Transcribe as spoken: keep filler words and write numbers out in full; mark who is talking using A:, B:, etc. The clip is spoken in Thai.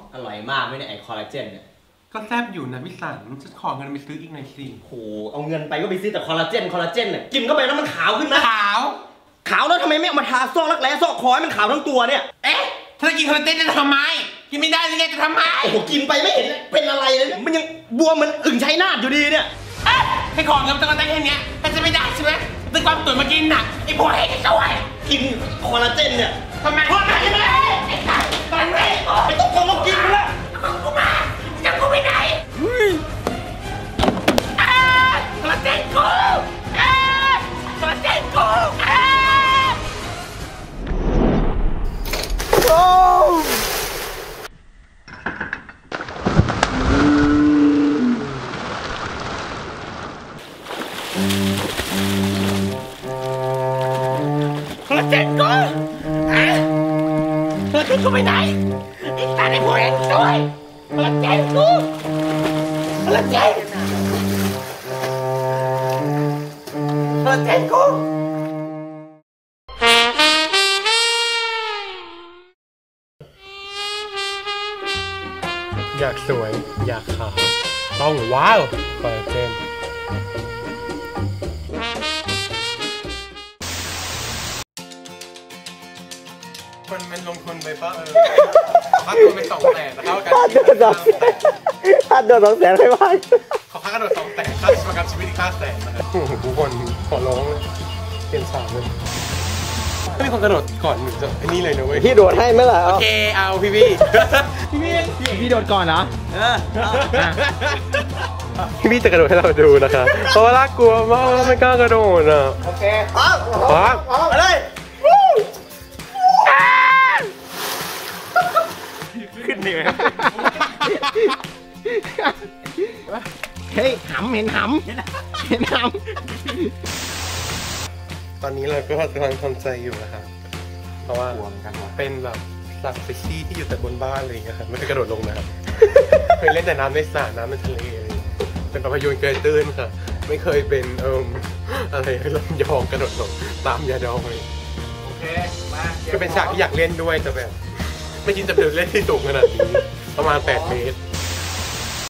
A: อร่อยมากไหมเนี่ยไอคอลลาเจนเนี่ย
B: ก็แซ่บอยู่นะพี่สันฉันขอเงินไปซื้ออีกหน่อยสิ
A: โหเอาเงินไปก็ไปซื้อแต่คอลลาเจนคอลลาเจนเนี่ยกินเข้าไปแล้วมันขาวขึ้นนะ
B: ขาว
A: ขาวแล้วทำไมไม่เอามาทาซอกรักแร้ซอกคอให้มันขาวทั้งตัวเนี่ย
B: เอ๊ะถ้ากินคอลลาเจนจะทำไมกินไม่ได้ยังไงจะทำไม
A: โอ้โหกินไปไม่เห็นเป็นอะไรเลยมันยังบวมเหมือนอึ่งชัยนาทอยู่ดีเนี่ย
B: ให้ของเงินต้องได้แค่นี้แต่จะไม่ได้ใช่ไหมตึกความตุ๋นมากินน่ะไอ้พวกไอ้ช่วย
A: กินคอลลาเจนเนี่ย
B: ทำไมทำไมไม่ได้ไอ้สัตว์ตอนนี้
A: ไม่ต้องคนมากินแล้ว
B: กูมาจะกูไปไหนคอลลาเจนกูคอลลาเจนกูโอ้คอลลาเจนกูคอลลาเจนกูไปไหนไอ้ตาในหัวเองช่วยคอลลาเจนกูคอลลาเจนคอลลาเจนกูอยากสวยอยากขาวต้องว้าวคอลลาเจนมันมันลงทุนไปปะเออค่าตัวเป็นสองแสนนะครับค่าตัวสองแสน
C: ค่าตัวสองแสนไม่ว่า
B: ขอค่ากระโดดสองแสนค่าประกันชีวิตอีกห้าแสนนะครับทุกคนขอร้องเลยเปลี่ยนสามเลยถ้ามีคนกระโดดก่อนหนึ่งจะไอ้นี่เลยนะเว้ย
C: พี่โดดให้ไหมล่ะ
B: โอเคเอาพี่พี่พี่
C: พี่พี่โดดก่อนเหรอ
B: พี่พี่จะกระโดดให้เราดูนะคะเพราะว่าน่ากลัวมากเราไม่กล้ากระโดดอ่ะ
C: โอเคปั๊บ
B: ปั๊บ
C: อะไร
B: ขึ้นเหนื่อย
C: เฮ้ยหำเห็นหำเห็นหำ
B: ตอนนี้เราก็กำลังทำใจอยู่นะครับเพราะว่าเป็นแบบสัตว์สปีชีส์ที่อยู่แต่บนบ้านอะไรอย่างเงี้ยครับไม่เคยกระโดดลงนะครับเคยเล่นแต่น้ำในสระน้ำในทะเลเป็นปลาพยูนเกยตื้นค่ะไม่เคยเป็นเอ่ออะไรลำยองกระโดดลงตามยาดองเลย
C: โอเคมา
B: ก็เป็นฉากที่อยากเล่นด้วยแต่แบบไม่คิดจะเป็นเล่นที่สูงขนาดนี้ประมาณแปดเมตร